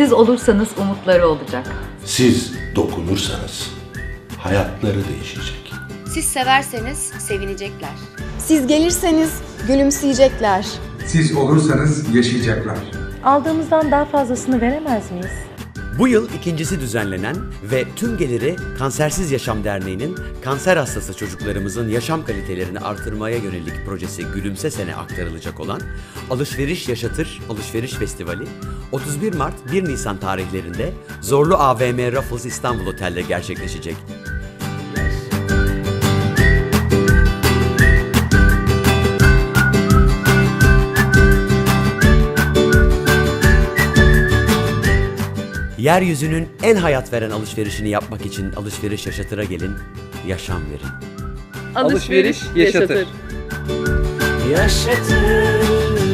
Siz olursanız umutları olacak. Siz dokunursanız hayatları değişecek. Siz severseniz sevinecekler. Siz gelirseniz gülümseyecekler. Siz olursanız yaşayacaklar. Aldığımızdan daha fazlasını veremez miyiz? Bu yıl ikincisi düzenlenen ve tüm geliri Kansersiz Yaşam Derneği'nin kanser hastası çocuklarımızın yaşam kalitelerini artırmaya yönelik projesi Gülümse Sene aktarılacak olan Alışveriş Yaşatır Alışveriş Festivali 31 Mart 1 Nisan tarihlerinde Zorlu AVM Raffles İstanbul Otel'de gerçekleşecek. Yeryüzünün en hayat veren alışverişini yapmak için Alışveriş Yaşatır'a gelin, yaşam verin. Alışveriş yaşatır. Yaşatır.